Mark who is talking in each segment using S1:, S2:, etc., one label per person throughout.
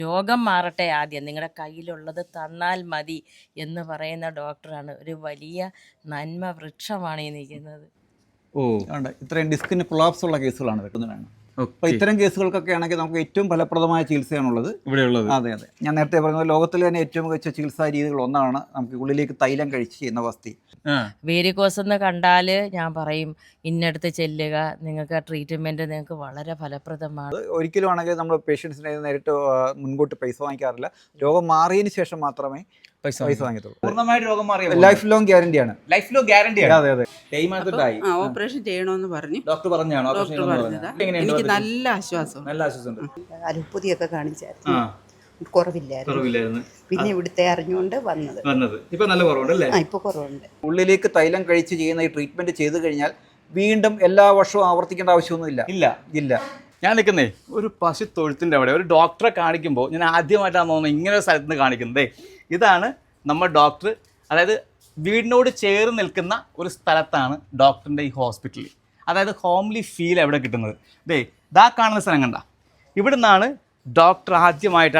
S1: രോഗം മാറട്ടെ ആദ്യം, നിങ്ങളുടെ കയ്യിലുള്ളത് തന്നാൽ മതി എന്ന് പറയുന്ന ഡോക്ടറാണ്. ഒരു വലിയ നന്മ വൃക്ഷമാണ് ഈ നിൽക്കുന്നത്.
S2: ഇത്രയും ഡിസ്കിന് കൊളാപ്സ് ഉള്ള കേസുകളാണ് വെക്കുന്നതാണ്. അപ്പോൾ ഇത്തരം കേസുകൾക്കൊക്കെ ആണെങ്കിൽ നമുക്ക് ഏറ്റവും ഫലപ്രദമായ ചികിത്സയാണുള്ളത് ഇവിടെയുള്ളത്. അതെ അതെ, ഞാൻ നേരത്തെ പറഞ്ഞത് ലോകത്തിൽ തന്നെ ഏറ്റവും മികച്ച ചികിത്സാ രീതികൾ ഒന്നാണ് നമുക്ക് ഉള്ളിലേക്ക് തൈലം കഴിച്ച് ചെയ്യുന്ന വസ്തി.
S1: വേരിക്കോസ് എന്ന് കണ്ടാൽ ഞാൻ പറയും ഇന്നടുത്ത് ചെല്ലുക, നിങ്ങൾക്ക് ആ ട്രീറ്റ്മെൻറ്റ് നിങ്ങൾക്ക് വളരെ ഫലപ്രദമാണ്.
S2: ഒരിക്കലും ആണെങ്കിൽ നമ്മൾ പേഷ്യൻസിനെ നേരിട്ട് മുൻകൂട്ടി പൈസ വാങ്ങിക്കാറില്ല. രോഗം മാറിയതിന് ശേഷം മാത്രമേ പൈസ വാങ്ങിത്തുള്ളൂ.
S3: പൂർണ്ണമായിട്ട് രോഗം മാറിയ
S2: ലൈഫ് ലോങ് ഗ്യാരണ്ടിയാണ്.
S3: ലൈഫ് ലോങ് ഗ്യാരണ്ടിയാണ്.
S2: അതെ അതെ.
S4: ഓപ്പറേഷൻ ചെയ്യണമെന്ന് പറഞ്ഞു
S3: ഡോക്ടർ പറഞ്ഞാണോ?
S4: എനിക്ക് നല്ല ആശ്വാസം.
S3: നല്ല ആശ്വാസമുണ്ട്.
S5: അലുപ്പതിയൊക്കെ കാണിച്ചായിരുന്നു, കുറവില്ലായിരുന്നു. പിന്നെ ഇവിടുത്തെ അറിഞ്ഞുകൊണ്ട് വന്നത്.
S3: ഇപ്പൊ നല്ല കുറവുണ്ടല്ലേ?
S5: ഇപ്പൊ കുറവുണ്ട്.
S2: ഉള്ളിലേക്ക് തൈലം കഴിച്ച് ചെയ്യുന്ന ഈ ട്രീറ്റ്മെന്റ് ചെയ്തു കഴിഞ്ഞാൽ വീണ്ടും എല്ലാ വർഷവും ആവർത്തിക്കേണ്ട ആവശ്യമൊന്നുമില്ല. ഇല്ല.
S3: ഞാൻ നിൽക്കുന്നേ ഒരു പശു തൊഴുത്തിൻ്റെ അവിടെ ഒരു ഡോക്ടറെ കാണിക്കുമ്പോൾ ഞാൻ ആദ്യമായിട്ടാണ് തോന്നുന്നത് ഇങ്ങനെ ഒരു സ്ഥലത്ത് നിന്ന് കാണിക്കുന്നത്. ഇതാണ് നമ്മൾ ഡോക്ടർ, അതായത് വീടിനോട് ചേർന്ന് നിൽക്കുന്ന ഒരു സ്ഥലത്താണ് ഡോക്ടറിൻ്റെ ഈ ഹോസ്പിറ്റൽ. അതായത് ഹോംലി ഫീൽ എവിടെ കിട്ടുന്നത്. ഇതാ കാണുന്ന സ്ഥലം കണ്ട, ഇവിടെ നിന്നാണ് ഡോക്ടർ ആദ്യമായിട്ട്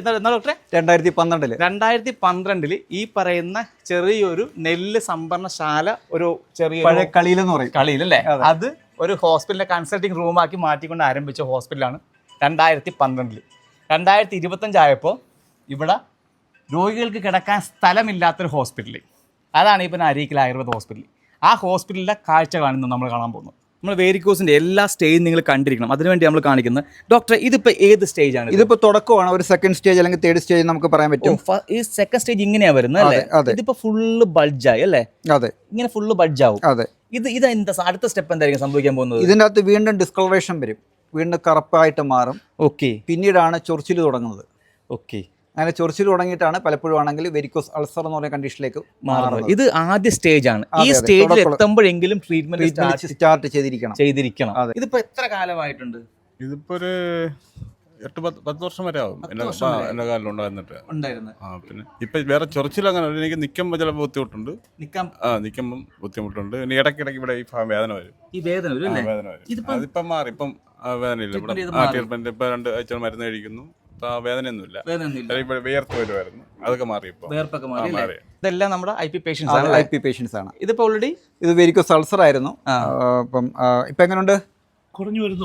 S3: 2012 ഈ പറയുന്ന ചെറിയൊരു നെല്ല് സംഭരണശാല, ഒരു ചെറിയ
S2: കളിയിലെന്ന് പറയും,
S3: കളിയിലല്ലേ, അത് ഒരു ഹോസ്പിറ്റലിലെ കൺസൾട്ടിങ് റൂമാക്കി മാറ്റിക്കൊണ്ട് ആരംഭിച്ച ഹോസ്പിറ്റലാണ് 2012. 2025 ആയപ്പോൾ ഇവിടെ രോഗികൾക്ക് കിടക്കാൻ സ്ഥലമില്ലാത്തൊരു ഹോസ്പിറ്റൽ, അതാണ് ഇപ്പം അരീക്കൽ ആയുർവേദ ഹോസ്പിറ്റൽ. ആ ഹോസ്പിറ്റലിലെ കാഴ്ച കാണുന്നത് നമ്മൾ കാണാൻ പോകുന്നു. നമ്മൾ വേരിക്കോസിൻ്റെ എല്ലാ സ്റ്റേജും നിങ്ങൾ കണ്ടിരിക്കണം, അതിനുവേണ്ടി നമ്മൾ കാണിക്കുന്നത്. ഡോക്ടർ, ഇതിപ്പോൾ ഏത് സ്റ്റേജാണ്?
S2: ഇതിപ്പോൾ തുടക്കമാണ്, ഒരു സെക്കൻഡ് സ്റ്റേജ് അല്ലെങ്കിൽ തേർഡ് സ്റ്റേജ് നമുക്ക് പറയാൻ പറ്റും.
S3: ഈ സെക്കൻഡ് സ്റ്റേജ് ഇങ്ങനെയാണ് വരുന്നത് അല്ലേ? ഇതിപ്പോൾ ഫുള്ള് ബൾജായി അല്ലേ?
S2: അതെ,
S3: ഇങ്ങനെ ഫുള്ള് ബൾജാവും.
S2: അതെ.
S3: ഇതെന്താ അടുത്ത സ്റ്റെപ്പ് എന്തായിരിക്കും സംഭവിക്കാൻ പോകുന്നത്?
S2: ഇതിൻ്റെ അകത്ത് വീണ്ടും ഡിസ്കളറേഷൻ വരും, വീണ്ടും കറുപ്പായിട്ട് മാറും.
S3: ഓക്കെ.
S2: പിന്നീടാണ് ചൊറിച്ചിൽ തുടങ്ങുന്നത്.
S3: ഓക്കെ.
S2: അങ്ങനെ ചൊറിച്ചിൽ തുടങ്ങിയിട്ടാണ് പലപ്പോഴും ആണെങ്കിൽ വെരിക്കോസ് അൾസർ എന്ന് പറയുന്ന കണ്ടീഷനിലേക്ക് മാറുന്നത്.
S3: ഇത് ആദ്യ സ്റ്റേജ് ആണ്. ഈ സ്റ്റേജിൽ എത്തുമ്പോഴെങ്കിലും ട്രീറ്റ്മെന്റ് സ്റ്റാർട്ട് ചെയ്തിരിക്കണം. ഇതിപ്പോ എത്ര കാലമായിട്ടുണ്ട്?
S6: ഇതിപ്പോ ഒരു 8-10 വർഷം വരെ ആവും എന്റെ കാലിൽ ഉണ്ടായിരുന്നു. പിന്നെ ഇപ്പൊ വേറെ ചൊറിച്ചിൽ അങ്ങനെ എനിക്ക് നിൽക്കുമ്പോൾ ചിലപ്പോൾ ബുദ്ധിമുട്ടുണ്ട്. നിൽക്കുമ്പോൾ ബുദ്ധിമുട്ടുണ്ട്. ഇനി ഇടയ്ക്കിടയ്ക്ക് ഇവിടെ ഈ വേദന വരും. അതിപ്പം മാറി, ഇപ്പം വേദനയില്ല. ഇവിടെ ട്രീറ്റ്മെന്റ് ഇപ്പൊ 2 ആഴ്ച മരുന്ന് കഴിക്കുന്നു, വേദനയൊന്നുമില്ല. വിയർത്ത് വരുമായിരുന്നു, അതൊക്കെ മാറി.
S3: ഇതെല്ലാം നമ്മുടെ ഐ പി പേഷ്യൻസ് ആണ്. ഇതിപ്പോ ഓൾറെഡി
S2: ഇത് വെരിക്കോസ് അൾസർ ആയിരുന്നു. ഇപ്പം ഇപ്പൊ എങ്ങനെയുണ്ട്?
S7: കുറഞ്ഞു വരുന്നു.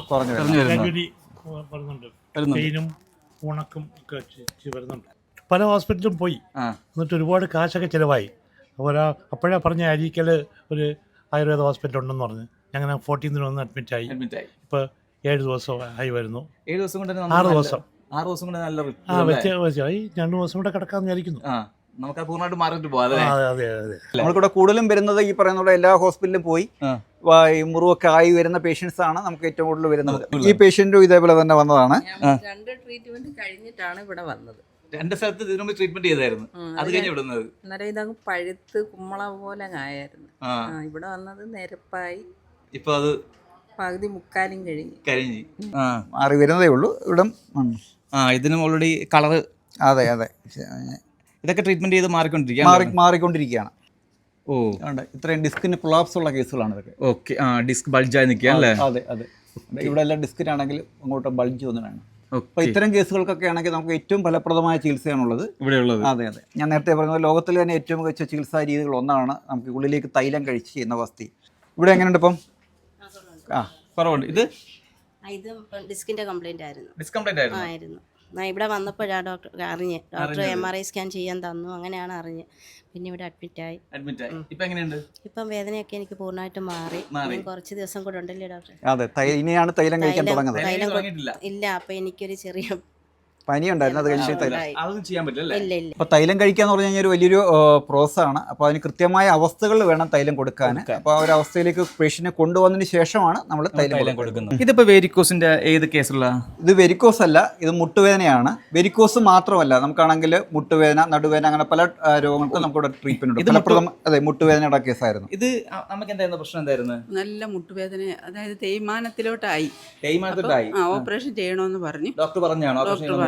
S7: ഉണക്കും ഒക്കെ വരുന്നുണ്ട്. പല ഹോസ്പിറ്റലും പോയി, എന്നിട്ട് ഒരുപാട് കാശൊക്കെ ചിലവായി. അപ്പോഴാ പറഞ്ഞ അരീക്കൽ ഒരു ആയുർവേദ ഹോസ്പിറ്റൽ ഉണ്ടെന്ന് പറഞ്ഞ് ഞങ്ങൾ 14 വന്ന് അഡ്മിറ്റായി. ഇപ്പോൾ 7 ദിവസം ആയി വരുന്നു.
S3: 7 ദിവസം കൊണ്ട്
S7: 6 ദിവസം
S3: 6 ദിവസം കൊണ്ട് നല്ല
S7: വ്യത്യാസമായി. 2 ദിവസം കൂടെ കിടക്കാമെന്ന് വിചാരിക്കുന്നു.
S3: നമുക്ക് പൂർണ്ണമായിട്ട് മാറിയിട്ട് പോകാം.
S2: നമ്മൾക്കിവിടെ കൂടുതലും വരുന്നത് ഈ പറയുന്ന എല്ലാ ഹോസ്പിറ്റലിലും പോയി മുറിവൊക്കെ ആയി വരുന്ന പേഷ്യൻസ് ആണ് നമുക്ക് ഏറ്റവും കൂടുതൽ വരുന്നത്. ഈ പേഷ്യന്റും ഇതേപോലെ തന്നെ വന്നതാണ്.
S1: 2 ട്രീറ്റ്മെന്റ് കഴിഞ്ഞിട്ടാണ് ഇവിടെ വന്നത്.
S3: 2 സ്ഥലത്ത് ഇതിനു ട്രീറ്റ്മെന്റ് ചെയ്തായിരുന്നു. അത് കഴിഞ്ഞ് വിടുന്നത്
S1: അന്നേരം ഇതങ്ങ് പഴുത്ത് കുമ്മള പോലെ ആയായിരുന്നു. ഇവിടെ വന്നത് നിരപ്പായി.
S3: ഇപ്പൊ അത്
S1: പകുതി മുക്കാലും കഴിഞ്ഞ്
S2: മാറി വരുന്നതേ ഉള്ളൂ. ഇവിടെ
S3: ഇതിനും ഓൾറെഡി കളറ്.
S2: അതെ അതെ,
S3: ഇതൊക്കെ ട്രീറ്റ്മെന്റ് ചെയ്ത്
S2: മാറിക്കൊണ്ടിരിക്കുകയാണ്. ഇത്രയും ഡിസ്കിന് കൊളാപ്സ് ഉള്ള കേസുകളാണ് ഇതൊക്കെ.
S3: ഓക്കെ. ഡിസ്ക് ബൾജായി നിൽക്കുക അല്ലേ?
S2: അതെ അതെ. ഇവിടെ എല്ലാം ഡിസ്കിനാണെങ്കിൽ അങ്ങോട്ട് ബൾജ് വന്നതാണ്. അപ്പോൾ ഇത്തരം കേസുകൾക്കൊക്കെ ആണെങ്കിൽ നമുക്ക് ഏറ്റവും ഫലപ്രദമായ ചികിത്സയാണുള്ളത് ഇവിടെയുള്ളത്. അതെ അതെ, ഞാൻ നേരത്തെ പറഞ്ഞത് ലോകത്തിൽ തന്നെ ഏറ്റവും മികച്ച ചികിത്സാ രീതികൾ ഒന്നാണ് നമുക്ക് ഉള്ളിലേക്ക് തൈലം കഴിച്ച് ചെയ്യുന്ന വസ്തി. ഇവിടെ എങ്ങനെയുണ്ട് ഇപ്പം?
S3: കുറവുണ്ട്. ഇത്
S8: ഡിസ്കിന്റെ കംപ്ലൈന്റ് ആയിരുന്നു.
S3: ആയിരുന്നു.
S8: ഇവിടെ വന്നപ്പോഴാണ് ഡോക്ടർ MRI സ്കാൻ ചെയ്യാൻ തന്നു. അങ്ങനെയാണ് അറിഞ്ഞ് പിന്നെ ഇവിടെ അഡ്മിറ്റായി. ഇപ്പം വേദനയൊക്കെ എനിക്ക് പൂർണ്ണമായിട്ട് മാറി. കുറച്ച് ദിവസം കൂടെ ഉണ്ടല്ലേ ഡോക്ടർ?
S2: അതെ, ഇനിയാണ് തൈലം കഴിക്കാൻ തുടങ്ങുന്നത്.
S8: ഇല്ല, അപ്പൊ എനിക്കൊരു ചെറിയ
S2: പനി ഉണ്ടായിരുന്നു, അത് കഴിഞ്ഞിട്ട്
S3: അതൊന്നും ചെയ്യാൻ പറ്റില്ല.
S2: അപ്പോൾ തൈലം കഴിക്കുക എന്ന് പറഞ്ഞു കഴിഞ്ഞാൽ ഒരു വലിയൊരു പ്രോസസ്സാണ്. അപ്പോൾ അതിന് കൃത്യമായ അവസ്ഥകൾ വേണം തൈലം കൊടുക്കാൻ. അപ്പോൾ ആ ഒരു അവസ്ഥയിലേക്ക് പേഷ്യന്റിനെ കൊണ്ടുവന്നതിന് ശേഷമാണ് നമ്മൾ തൈലം കൊടുക്കുന്നത്.
S3: ഇതിപ്പോൾ വെരിക്കോസിന്റെ ഏത് കേസുള്ള?
S2: ഇത് വെരിക്കോസ് അല്ല, ഇത് മുട്ടുവേദനയാണ്. വെരിക്കോസ് മാത്രമല്ല, നമുക്കാണെങ്കിൽ മുട്ടുവേദന, നടുവേദന, അങ്ങനെ പല രോഗങ്ങൾക്കും നമുക്കിവിടെ ട്രീറ്റ്മെന്റ് ഉണ്ട്. ഫലപ്രദം. അതെ, മുട്ടുവേദനയുടെ കേസായിരുന്നു
S3: ഇത്. നമുക്ക് എന്തായിരുന്നു പ്രശ്നം? എന്തായിരുന്നു?
S4: നല്ല മുട്ടുവേദന, അതായത് തേയ്മാനത്തിലോട്ടായി. ഓപ്പറേഷൻ ചെയ്യണമെന്ന് പറഞ്ഞു.
S3: ഡോക്ടർ പറഞ്ഞാണോ?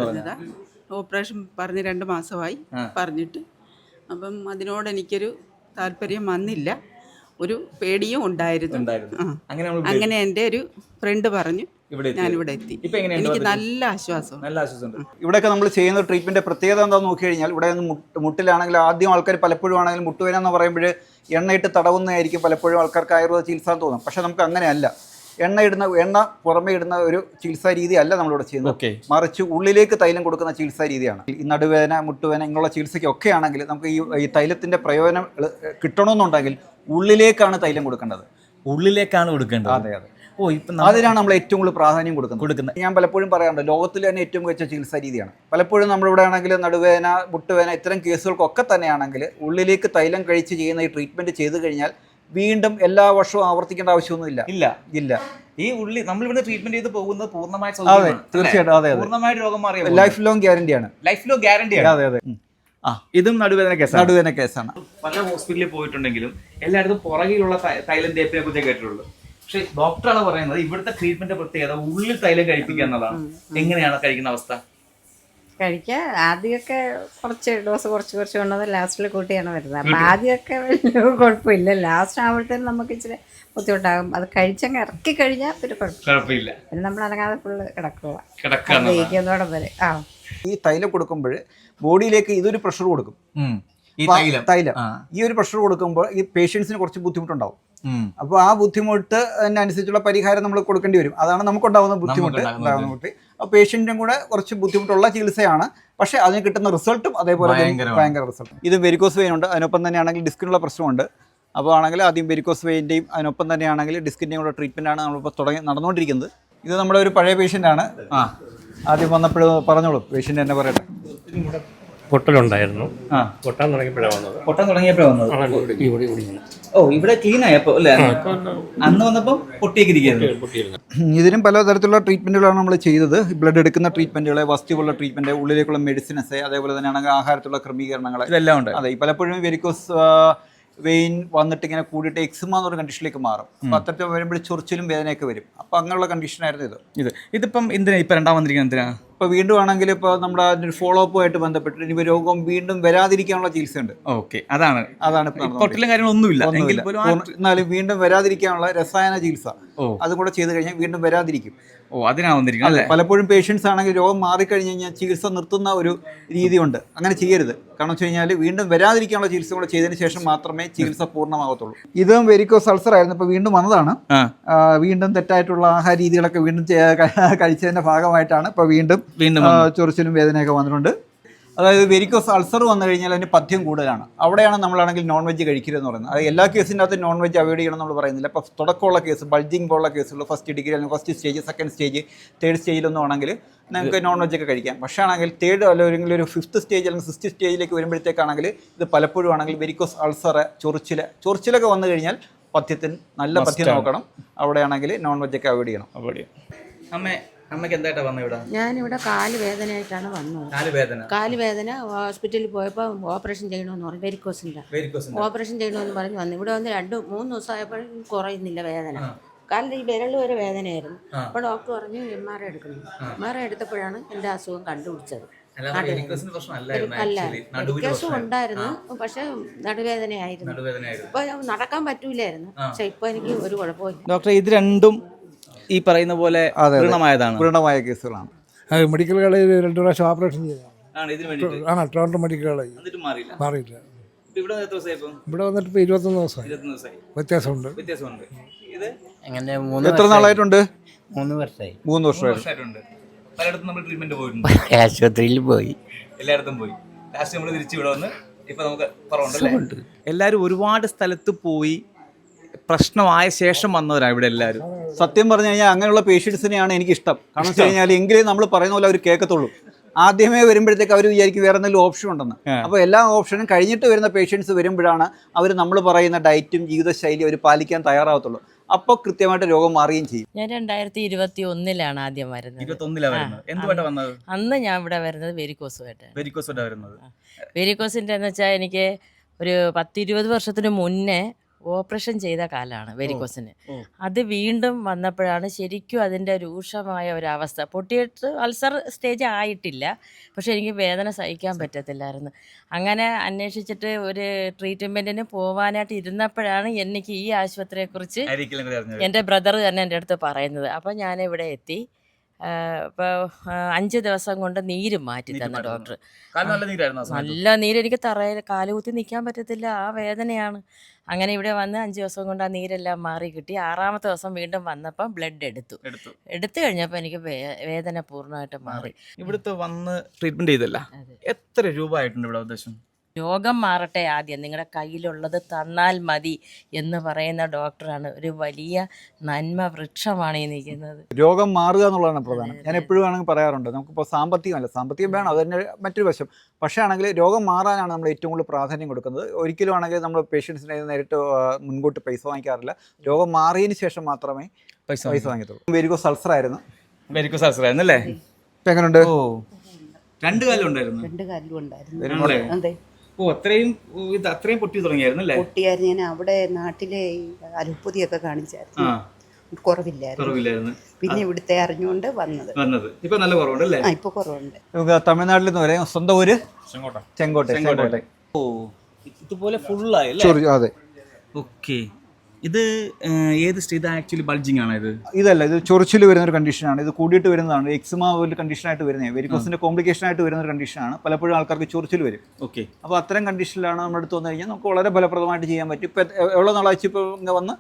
S4: ഓപ്പറേഷൻ പറഞ്ഞ് 2 മാസമായി പറഞ്ഞിട്ട്. അപ്പം അതിനോട് എനിക്കൊരു താല്പര്യം വന്നില്ല, ഒരു പേടിയും ഉണ്ടായിരുന്നു. അങ്ങനെ എൻ്റെ ഒരു ഫ്രണ്ട് പറഞ്ഞു ഞാനിവിടെ എത്തി.
S3: ഇപ്പൊ എങ്ങനെയുണ്ട്
S4: എനിക്ക്
S3: വന്നിട്ട്?
S4: നല്ല ആശ്വാസം.
S3: നല്ല ആശ്വാസമുണ്ട്.
S2: ഇവിടെയൊക്കെ നമ്മൾ ചെയ്യുന്ന ട്രീറ്റ്മെൻറ്റ് പ്രത്യേകത എന്താണെന്ന് നോക്കി കഴിഞ്ഞാൽ ഇവിടെ മുട്ടിലാണെങ്കിൽ ആദ്യം ആൾക്കാർ പലപ്പോഴും ആണെങ്കിലും മുട്ടുവേന എന്ന് പറയുമ്പോൾ എണ്ണയിട്ട് തടവുന്നതായിരിക്കും പലപ്പോഴും ആൾക്കാർക്ക് ആയുർവേദ ചികിത്സ എന്ന് തോന്നും. പക്ഷേ നമുക്ക് അങ്ങനെയല്ല. എണ്ണ പുറമേ ഇടുന്ന ഒരു ചികിത്സാ രീതി അല്ല നമ്മളിവിടെ ചെയ്യുന്നത്. മറിച്ച് ഉള്ളിലേക്ക് തൈലം കൊടുക്കുന്ന ചികിത്സാ രീതിയാണ്. ഈ നടുവേദന, മുട്ടുവേദന ഇങ്ങനെയുള്ള ചികിത്സയ്ക്കൊക്കെ ആണെങ്കിൽ നമുക്ക് ഈ തൈലത്തിൻ്റെ പ്രയോജനം കിട്ടണമെന്നുണ്ടെങ്കിൽ ഉള്ളിലേക്കാണ് തൈലം കൊടുക്കേണ്ടത്.
S3: ഉള്ളിലേക്കാണ് കൊടുക്കേണ്ടത്.
S2: അതെ. അതിനാണ് നമ്മൾ ഏറ്റവും കൂടുതൽ പ്രാധാന്യം കൊടുക്കുന്നത്. ഞാൻ പലപ്പോഴും പറയാറുണ്ട്, ലോകത്തിൽ തന്നെ ഏറ്റവും മികച്ച ചികിത്സാ രീതിയാണ്. പലപ്പോഴും നമ്മളിവിടെ ആണെങ്കിൽ നടുവേദന, മുട്ടുവേദന ഇത്തരം കേസുകൾക്കൊക്കെ തന്നെയാണെങ്കിൽ ഉള്ളിലേക്ക് തൈലം കഴിച്ച് ചെയ്യുന്ന ഈ ട്രീറ്റ്മെൻറ്റ് ചെയ്ത് കഴിഞ്ഞാൽ വീണ്ടും എല്ലാ വർഷവും ആവർത്തിക്കേണ്ട ആവശ്യമൊന്നുമില്ല. ഇല്ല.
S3: ഈ ഉള്ളി നമ്മളിവിടെ ട്രീറ്റ്മെന്റ് ചെയ്ത് പോകുന്നത് പൂർണ്ണമായ
S2: തീർച്ചയായിട്ടും. അതെ.
S3: പൂർണ്ണമായിട്ട് രോഗം മാറിയ
S2: ലൈഫ് ലോങ് ഗ്യാരണ്ടിയാണ്. അതെ.
S3: ഇതും നടുവേദന
S2: കേസാണ്.
S3: പല ഹോസ്പിറ്റലിൽ പോയിട്ടുണ്ടെങ്കിലും എല്ലായിടത്തും പുറകിലുള്ള തൈലം തേപ്പിനെ കുറിച്ച് കേട്ടിട്ടുള്ളൂ. പക്ഷെ ഡോക്ടറാണ് പറയുന്നത് ഇവിടുത്തെ ട്രീറ്റ്മെന്റ് പ്രത്യേകത ഉള്ളിൽ തൈലം കഴിപ്പിക്കുക എന്നതാണ്. എങ്ങനെയാണ് കഴിക്കുന്ന അവസ്ഥ?
S9: കഴിക്കാൻ ആദ്യമൊക്കെ കുറച്ച് ഡോസ് കുറച്ച് കൊണ്ടത് ലാസ്റ്റിൽ കൂട്ടിയാണ് വരുന്നത്. അപ്പം ആദ്യമൊക്കെ വലിയ കുഴപ്പമില്ല. ലാസ്റ്റ് ആവുമ്പോഴത്തേനും നമുക്ക് ഇച്ചിരി ബുദ്ധിമുട്ടാകും. അത് കഴിച്ചങ്ങ് ഇറക്കി കഴിഞ്ഞാൽ പിന്നെ കുഴപ്പമില്ല. പിന്നെ നമ്മൾ അനങ്ങാതെ ഫുള്ള് കിടക്കുന്നോടെ വരെ.
S2: ഈ തൈലം കൊടുക്കുമ്പോൾ ബോഡിയിലേക്ക് ഇതൊരു പ്രഷർ കൊടുക്കും. തൈലം ഈ ഒരു പ്രഷർ കൊടുക്കുമ്പോൾ ഈ പേഷ്യൻസിന് കുറച്ച് ബുദ്ധിമുട്ടുണ്ടാവും. അപ്പോൾ ആ ബുദ്ധിമുട്ട് അനുസരിച്ചുള്ള പരിഹാരം നമ്മൾ കൊടുക്കേണ്ടി വരും. അതാണ് നമുക്കുണ്ടാകുന്ന ബുദ്ധിമുട്ട്. അപ്പോൾ പേഷ്യൻറ്റിനും കൂടെ കുറച്ച് ബുദ്ധിമുട്ടുള്ള ചികിത്സയാണ്. പക്ഷേ അതിന് കിട്ടുന്ന റിസൾട്ടും അതേപോലെ ഭയങ്കര റിസൾട്ട്. ഇത് വെരിക്കോസ് വെയിൻ ഉണ്ട്. അതിനൊപ്പം തന്നെയാണെങ്കിൽ ഡിസ്കിനുള്ള പ്രശ്നമുണ്ട്. അപ്പോൾ ആണെങ്കിൽ ആദ്യം വെരിക്കോസ് വെയിൻ്റെയും അതിനൊപ്പം തന്നെയാണെങ്കിൽ ഡിസ്കിൻ്റെയും കൂടെ ട്രീറ്റ്മെൻറ്റാണ് നമ്മളിപ്പോൾ നടന്നുകൊണ്ടിരിക്കുന്നത്. ഇത് നമ്മുടെ ഒരു പഴയ പേഷ്യൻ്റാണ്. ആദ്യം വന്നപ്പോൾ പറഞ്ഞോളൂ, പേഷ്യൻ്റ് തന്നെ പറയട്ടെ.
S7: പൊട്ടലുണ്ടായിരുന്നു. പൊട്ടാൻ തുടങ്ങിയപ്പോഴാണ് വന്നത്.
S3: ഇവിടെ ക്ലീൻ ആയപ്പോ അല്ലേ? അന്ന് വന്നപ്പോൾ പൊട്ടിയിരിക്കുന്നു.
S2: ഇതിനും പലതരത്തിലുള്ള ട്രീറ്റ്മെൻറ്റുകളാണ് നമ്മൾ ചെയ്തത്. ബ്ലഡ് എടുക്കുന്ന ട്രീറ്റ്മെൻറ്റുകൾ, വസ്തുവുള്ള ട്രീറ്റ്മെൻറ്റ്, ഉള്ളിലേക്കുള്ള മെഡിസിൻസ്, അതേപോലെ തന്നെയാണെങ്കിൽ ആഹാരത്തിലുള്ള ക്രമീകരണങ്ങൾ ഇതെല്ലാം ഉണ്ട്. അതെ. പലപ്പോഴും വെരിക്കോസ് വെയിൻ വന്നിട്ട് ഇങ്ങനെ കൂടിയിട്ട് എക്സിമ എന്നൊരു കണ്ടീഷനിലേക്ക് മാറും. അപ്പോൾ അത്തരത്തിൽ വരുമ്പോൾ ചൊറിച്ചിലും വേദനയൊക്കെ വരും. അപ്പോൾ അങ്ങനെയുള്ള കണ്ടീഷനായിരുന്നു
S3: ഇതിപ്പം എന്തിനാ ഇപ്പം രണ്ടാം വന്നിരിക്കുന്നത്? എന്തിനാ
S2: ഇപ്പോൾ വീണ്ടും ആണെങ്കിൽ ഇപ്പോൾ നമ്മുടെ അതിൻ്റെ ഫോളോ അപ്പ് ആയിട്ട് ബന്ധപ്പെട്ട് ഇനി രോഗം വീണ്ടും വരാതിരിക്കാനുള്ള ചികിത്സയുണ്ട്. അതാണ്
S3: പൊട്ടലും കാര്യങ്ങളൊന്നുമില്ല.
S2: എന്നാലും വീണ്ടും വരാതിരിക്കാനുള്ള രസായന ചികിത്സ അതും കൂടെ ചെയ്ത് കഴിഞ്ഞാൽ വീണ്ടും വരാതിരിക്കും.
S3: അതിനാ വന്നിരിക്കുന്നത്.
S2: പലപ്പോഴും പേഷ്യൻസ് ആണെങ്കിൽ രോഗം മാറിക്കഴിഞ്ഞ് കഴിഞ്ഞാൽ ചികിത്സ നിർത്തുന്ന ഒരു രീതിയുണ്ട്. അങ്ങനെ ചെയ്യരുത്. കാരണം വെച്ച് കഴിഞ്ഞാൽ വീണ്ടും വരാതിരിക്കാനുള്ള ചികിത്സ കൂടെ ചെയ്തതിന് ശേഷം മാത്രമേ ചികിത്സ പൂർണ്ണമാകത്തുള്ളൂ. ഇതും വെരിക്കോസ് അൾസർ ആയിരുന്നു. ഇപ്പോൾ വീണ്ടും വന്നതാണ്. വീണ്ടും തെറ്റായിട്ടുള്ള ആഹാര രീതികളൊക്കെ വീണ്ടും കഴിച്ചതിൻ്റെ ഭാഗമായിട്ടാണ് ഇപ്പോൾ വീണ്ടും ചൊറിച്ചിലും വേദനയൊക്കെ വന്നിട്ടുണ്ട്. അതായത് വെരിക്കോസ് അൾസർ വന്നു കഴിഞ്ഞാൽ അതിന് പഥ്യം കൂടുതലാണ്. അവിടെയാണ് നമ്മളാണെങ്കിൽ നോൺ വെജ് കഴിക്കരുതെന്ന് പറയുന്നത്. അത് എല്ലാ കേസിൻ്റെ അകത്ത് നോൺ വെജ് അവോയ്ഡ് ചെയ്യണം നമ്മൾ പറയുന്നില്ല. ഇപ്പോൾ തുടക്കമുള്ള കേസ്, ബൾജിങ് പോലുള്ള കേസുകൾ, ഫസ്റ്റ് ഡിഗ്രി അല്ലെങ്കിൽ first stage, second stage, third സ്റ്റേജിലൊന്നും ആണെങ്കിൽ നമുക്ക് നോൺ വെജ് ഒക്കെ കഴിക്കാം. പക്ഷേ ആണെങ്കിൽ തേർഡ് അല്ലെങ്കിൽ ഒരു ഫിഫ്ത്ത് സ്റ്റേജ് അല്ലെങ്കിൽ സിക്സ്ത് സ്റ്റേജിലേക്ക് വരുമ്പോഴത്തേക്കാണെങ്കിൽ ഇത് പലപ്പോഴും ആണെങ്കിൽ വെരിക്കോസ് അൾസർ, ചൊറിച്ചിലൊക്കെ വന്നു കഴിഞ്ഞാൽ പഥ്യത്തിന് നല്ല പഥ്യം നോക്കണം. അവിടെയാണെങ്കിൽ നോൺ വെജ് ഒക്കെ അവോയ്ഡ് ചെയ്യണം.
S3: അമ്മയ്ക്ക് എന്തായിട്ടാ വന്നത് ഇവിടെ?
S9: ഞാനിവിടെ കാല് വേദനയായിട്ടാണ് വന്നത്. കാല് വേദന ഹോസ്പിറ്റലിൽ പോയപ്പോൾ ഓപ്പറേഷൻ ചെയ്യണമെന്ന് പറഞ്ഞു. വെരിക്കോസിൻ്റെ ഓപ്പറേഷൻ ചെയ്യണമെന്ന് പറഞ്ഞ് വന്നു. ഇവിടെ വന്ന് 2-3 ദിവസമായപ്പോഴും കുറയുന്നില്ല വേദന. കാലിൻ്റെ ഈ വിരൽ വരെ വേദനയായിരുന്നു. അപ്പോൾ ഡോക്ടർ പറഞ്ഞു MRI എടുക്കണം. MRI എടുത്തപ്പോഴാണ് എൻ്റെ അസുഖം കണ്ടുപിടിച്ചത്. വെരിക്കോസും ഉണ്ടായിരുന്നു, പക്ഷെ നടുവേദനയായിരുന്നു. ഇപ്പൊ നടക്കാൻ പറ്റൂലായിരുന്നു. പക്ഷെ ഇപ്പൊ എനിക്ക് ഒരു കുഴപ്പമില്ല.
S3: ഡോക്ടർ, ഇത് രണ്ടും ഈ പറയുന്ന പോലെ
S2: പൂർണ്ണമായ കേസുകളാണ്.
S7: മെഡിക്കൽ കോളേജിൽ 2 പ്രാവശ്യം ഓപ്പറേഷൻ ചെയ്തതാണ്. ട്രിവാൻഡ്രം മെഡിക്കൽ കോളേജ് മാറിയില്ല. ഇവിടെ വന്നിട്ട് ഇപ്പോൾ 21 ദിവസമായി. വ്യത്യാസമുണ്ട്.
S2: എത്ര നാളായിട്ടുണ്ട്?
S10: 3 വർഷമായി.
S2: 3 വർഷമായിട്ടുണ്ട്.
S3: പലയിടത്തും നമ്മൾ ട്രീറ്റ്മെന്റ് പോയിട്ടുണ്ട്.
S10: ആശുപത്രിയിൽ പോയി,
S3: എല്ലായിടത്തും പോയി. ലാസ്റ്റ് നമ്മൾ തിരിച്ചു ഇവിടെ വന്ന് ഇപ്പൊ നമുക്ക് കുറവുണ്ട്. എല്ലാവരും ഒരുപാട് സ്ഥലത്ത് പോയി പ്രശ്നമായ ശേഷം വന്നവരാണ് ഇവിടെ എല്ലാവരും.
S2: സത്യം പറഞ്ഞു കഴിഞ്ഞാൽ അങ്ങനെയുള്ള പേഷ്യൻസിനെയാണ് എനിക്കിഷ്ടം. കാരണം വെച്ച് കഴിഞ്ഞാൽ എങ്കിലും നമ്മൾ പറയുന്ന പോലെ അവർ കേൾക്കത്തുള്ളൂ. ആദ്യമേ വരുമ്പോഴത്തേക്ക് അവർ വിചാരിക്കും വേറെ എന്തെങ്കിലും ഓപ്ഷൻ ഉണ്ടെന്ന്. അപ്പോൾ എല്ലാ ഓപ്ഷനും കഴിഞ്ഞിട്ട് വരുന്ന പേഷ്യൻസ് വരുമ്പോഴാണ് അവർ നമ്മൾ പറയുന്ന ഡയറ്റും ജീവിതശൈലിയും അവർ പാലിക്കാൻ തയ്യാറാവത്തുള്ളൂ. അപ്പോൾ കൃത്യമായിട്ട് രോഗം മാറുകയും ചെയ്യും.
S1: ഞാൻ 2021 ആദ്യം വരുന്നത്.
S3: 21 എന്തുകൊണ്ടാണ് വന്നത്?
S1: അന്ന് ഞാൻ ഇവിടെ വരുന്നത് വെരിക്കോസുമായിട്ട്.
S3: വെരിക്കോസിന്റെ എന്ന്
S1: വെച്ചാൽ എനിക്ക് ഒരു 10-20 വർഷത്തിന് മുന്നേ ഓപ്പറേഷൻ ചെയ്ത കാലാണ് വെരിക്കോസിന്. അത് വീണ്ടും വന്നപ്പോഴാണ് ശരിക്കും അതിൻ്റെ രൂക്ഷമായ ഒരവസ്ഥ. പൊട്ടിയിട്ട് അൾസർ സ്റ്റേജ് ആയിട്ടില്ല, പക്ഷെ എനിക്ക് വേദന സഹിക്കാൻ പറ്റത്തില്ലായിരുന്നു. അങ്ങനെ അന്വേഷിച്ചിട്ട് ഒരു ട്രീറ്റ്മെൻറ്റിന് പോകാനായിട്ട് ഇരുന്നപ്പോഴാണ് എനിക്ക് ഈ ആശുപത്രിയെക്കുറിച്ച് എൻ്റെ ബ്രദർ തന്നെ എൻ്റെ അടുത്ത് പറയുന്നത്. അപ്പോൾ ഞാനിവിടെ എത്തി. ഇപ്പോൾ 5 ദിവസം കൊണ്ട് നീര് മാറ്റി തന്ന ഡോക്ടർ. നല്ല നീര്, എനിക്ക് തറയിൽ കാലുകുത്തി നിൽക്കാൻ പറ്റത്തില്ല, ആ വേദനയാണ്. അങ്ങനെ ഇവിടെ വന്ന് 5 ദിവസം കൊണ്ട് ആ നീരെല്ലാം മാറി കിട്ടി. 6ാമത്തെ ദിവസം വീണ്ടും വന്നപ്പോൾ ബ്ലഡ് എടുത്തു കഴിഞ്ഞപ്പോൾ എനിക്ക് വേദന പൂർണ്ണമായിട്ട് മാറി.
S3: ഇവിടുത്തെ വന്ന് ട്രീറ്റ്മെന്റ് ചെയ്തല്ല, എത്ര രൂപ ആയിട്ടുണ്ട് ഇവിടെ ഉദ്ദേശം?
S1: രോഗം മാറട്ടെ ആദ്യം, നിങ്ങളുടെ കയ്യിലുള്ളത് തന്നാൽ മതി എന്ന് പറയുന്ന ഡോക്ടറാണ്. ഒരു വലിയ നന്മ വൃക്ഷമാണ് ഈ നിൽക്കുന്നത്.
S2: രോഗം മാറുക എന്നുള്ളതാണ് പ്രധാനം. ഞാൻ എപ്പോഴും ആണെങ്കിൽ പറയാറുണ്ട്, നമുക്കിപ്പോൾ സാമ്പത്തികം വേണം, അത് തന്നെ മറ്റൊരു വശം. പക്ഷേ ആണെങ്കിൽ രോഗം മാറാനാണ് നമ്മൾ ഏറ്റവും കൂടുതൽ പ്രാധാന്യം കൊടുക്കുന്നത്. ഒരിക്കലും ആണെങ്കിൽ നമ്മൾ പേഷ്യൻസിനെ നേരിട്ട് മുൻകൂട്ട് പൈസ വാങ്ങിക്കാറില്ല. രോഗം മാറിയതിന് ശേഷം മാത്രമേ പൈസ വാങ്ങിക്കത്തുള്ളൂ. വെരിക്കോസ് അൾസർ ആയിരുന്നു
S3: അല്ലേ?
S2: ഇപ്പം എങ്ങനെയുണ്ട്?
S3: 2 കാലം ഉണ്ടായിരുന്നു.
S5: 2 കാലിലും ഉണ്ടായിരുന്നു. അതെ,
S3: അത്രയും പൊട്ടി തുടങ്ങിയായിരുന്നു അല്ലേ?
S5: പൊട്ടിയായിരുന്നു. ഞാൻ അവിടെ നാട്ടിലെ അലുപ്പുതിയൊക്കെ കാണിച്ചായിരുന്നു, കുറവില്ലായിരുന്നു. പിന്നെ ഇവിടുത്തെ അറിഞ്ഞുകൊണ്ട് വന്നത്.
S3: ഇപ്പൊ നല്ല കുറവുണ്ടല്ലേ?
S5: ഇപ്പൊ കുറവുണ്ട്.
S2: തമിഴ്നാട്ടിൽ നിന്ന് വരെ സ്വന്തം ഊര് ചെങ്കോട്ടെ.
S3: ഓ, ഇതുപോലെ ഫുള്ളായി.
S2: അതെ.
S3: ഓക്കെ, ഇത് ഏത് സ്റ്റേജ്? ആക്ച്വലി ബൾജിങ് ആണ് ഇത്?
S2: ഇതല്ല, ഇത് ചൊറിച്ചിൽ വരുന്ന ഒരു കണ്ടീഷനാണ്. ഇത് കൂടിയിട്ട് വരുന്നതാണ്. എക്സിമ ഒരു കണ്ടീഷനായിട്ട് വരുന്നത്, വെരിക്കോസിന്റെ കോംപ്ലിക്കേഷൻ ആയിട്ട് വരുന്ന ഒരു കണ്ടീഷനാണ്. പലപ്പോഴും ആൾക്കാർക്ക് ചൊറിച്ചിൽ വരും.
S3: ഓക്കെ, അപ്പോൾ
S2: അത്തരം കണ്ടീഷനിലാണ് നമ്മുടെ അടുത്ത് വന്നു കഴിഞ്ഞാൽ നമുക്ക് വളരെ ഫലപ്രദമായിട്ട് ചെയ്യാൻ പറ്റും. ഇപ്പൊ എவ்வளோ നാളാச்சு ഇപ്പോൾ ഇങ്ങനെ വന്ന്?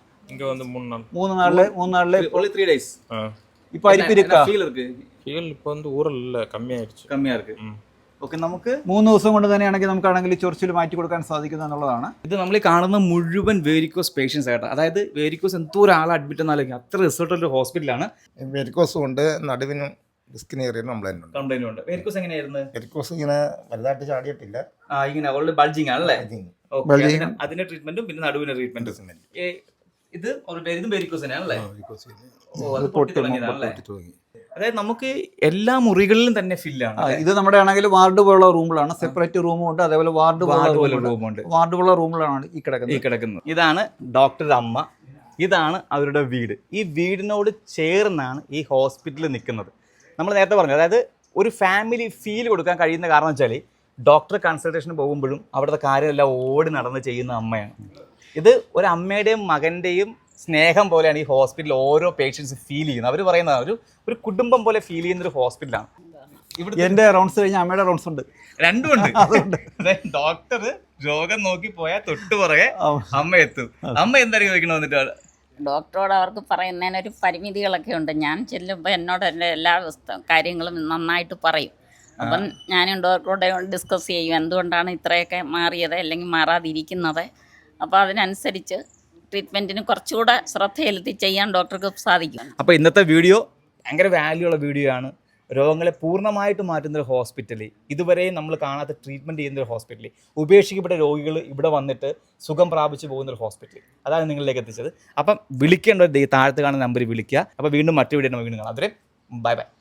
S2: 3 നാളില്
S3: 3 days.
S2: ഇപ്പൊ അരിപ്പ് ഇരിക്കാ
S6: இப்போ வந்து ஊரில் கம்மியாக இருக்கு.
S3: ഓക്കെ, നമുക്ക്
S2: 3 ദിവസം കൊണ്ട് തന്നെയാണെങ്കിൽ നമുക്കാണെങ്കിൽ ചൊറിച്ചിൽ മാറ്റി കൊടുക്കാൻ സാധിക്കുന്നു എന്നുള്ളതാണ്.
S3: ഇത് നമ്മൾ കാണുന്ന മുഴുവൻ വേരിക്കോസ് പേഷ്യൻസ് ആയിട്ട്, അതായത് വേരിക്കോസ് എന്തോ ഒരാളെ അഡ്മിറ്റ് എന്നാലും അത്ര റിസൾട്ടുള്ള ഹോസ്പിറ്റലാണ്.
S11: വെരിക്കോസ് കൊണ്ട് നടുവിനും ഡിസ്കിന് ഏറിയതിനും
S3: കംപ്ലൈന്റ് ഉണ്ട്. വേരിക്കോസ് എങ്ങനെയായിരുന്നു?
S11: വെരിക്കോസ് ഇങ്ങനെ വലുതായിട്ട് ചാടിയിട്ടില്ല,
S3: ഇങ്ങനെ ഓൾറെഡി ബൾജിങ് ആണല്ലേ? അതിന്റെ ട്രീറ്റ്മെന്റും പിന്നെ നടുവിന്റെ ട്രീറ്റ്മെന്റും. ഇത് ഇതും വേരിക്കോസ് തന്നെയാണല്ലേ? പൊട്ടി തുടങ്ങിയതാണല്ലേ? അതായത് നമുക്ക് എല്ലാ മുറികളിലും തന്നെ ഫില്ലാണ്.
S2: ഇത് നമ്മുടെ ആണെങ്കിൽ വാർഡ് പോലുള്ള റൂമുകളാണ്. സെപ്പറേറ്റ് റൂമും ഉണ്ട്, അതേപോലെ വാർഡ് പോലുള്ള റൂമുകളാണ് ഈ കിടക്കുന്നത്.
S3: ഇതാണ് ഡോക്ടറുടെ അമ്മ, ഇതാണ് അവരുടെ വീട്. ഈ വീടിനോട് ചേർന്നാണ് ഈ ഹോസ്പിറ്റൽ നിൽക്കുന്നത്. നമ്മൾ നേരത്തെ പറഞ്ഞു, അതായത് ഒരു ഫാമിലി ഫീൽ കൊടുക്കാൻ കഴിയുന്ന കാരണം വെച്ചാൽ ഡോക്ടർ കൺസൾട്ടേഷന് പോകുമ്പോഴും അവിടുത്തെ കാര്യമെല്ലാം ഓടി നടന്ന് ചെയ്യുന്ന അമ്മയാണ്. ഇത് ഒരു അമ്മയുടെയും മകൻ്റെയും സ്നേഹം പോലെയാണ് ഈ ഹോസ്പിറ്റലിൽ ഓരോ പേഷ്യൻസ് ഫീൽ ചെയ്യുന്നത്. അവർ പറയുന്നത് ഒരു കുടുംബം പോലെ ഫീൽ ചെയ്യുന്ന ഒരു ഹോസ്പിറ്റലാണ്.
S2: ഇവിടെ എൻ്റെ റൗണ്ട്സ് കഴിഞ്ഞാൽ അമ്മയുടെ റൗണ്ട്സ് ഉണ്ട്,
S3: രണ്ടും ഉണ്ട്. ഡോക്ടർ രോഗം നോക്കി പോയാൽ തൊട്ട് പുറകെ അമ്മ എത്തും. അമ്മ എന്തായാലും ചോദിക്കണം വന്നിട്ട്
S12: ഡോക്ടറോട് അവർക്ക് പറയുന്നതിനൊരു പരിമിതികളൊക്കെ ഉണ്ട്. ഞാൻ ചെല്ലുമ്പോൾ എന്നോട് എൻ്റെ എല്ലാ കാര്യങ്ങളും നന്നായിട്ട് പറയും. അപ്പം ഞാനും ഡോക്ടറോട് ഡിസ്കസ് ചെയ്യും എന്തുകൊണ്ടാണ് ഇത്രയൊക്കെ മാറിയത് അല്ലെങ്കിൽ മാറാതിരിക്കുന്നത്. അപ്പോൾ അതിനനുസരിച്ച് ട്രീറ്റ്മെൻറ്റിന് കുറച്ചുകൂടെ ശ്രദ്ധ ചെലുത്തി ചെയ്യാൻ ഡോക്ടർക്ക് സാധിക്കും.
S3: അപ്പോൾ ഇന്നത്തെ വീഡിയോ ഭയങ്കര വാല്യൂ ഉള്ള വീഡിയോ ആണ്. രോഗങ്ങളെ പൂർണ്ണമായിട്ട് മാറ്റുന്നൊരു ഹോസ്പിറ്റൽ, ഇതുവരെയും നമ്മൾ കാണാത്ത ട്രീറ്റ്മെൻറ്റ് ചെയ്യുന്നൊരു ഹോസ്പിറ്റൽ, ഉപേക്ഷിക്കപ്പെട്ട രോഗികൾ ഇവിടെ വന്നിട്ട് സുഖം പ്രാപിച്ച് പോകുന്നൊരു ഹോസ്പിറ്റൽ, അതാണ് നിങ്ങളിലേക്ക് എത്തിച്ചത്. അപ്പം വിളിക്കേണ്ട താഴത്ത് കാണുന്ന നമ്പറിൽ വിളിക്കുക. അപ്പോൾ വീണ്ടും മറ്റു വീഡിയോ നമുക്ക് വീണ്ടും കാണാം. അതുവരെ ബൈ ബൈ.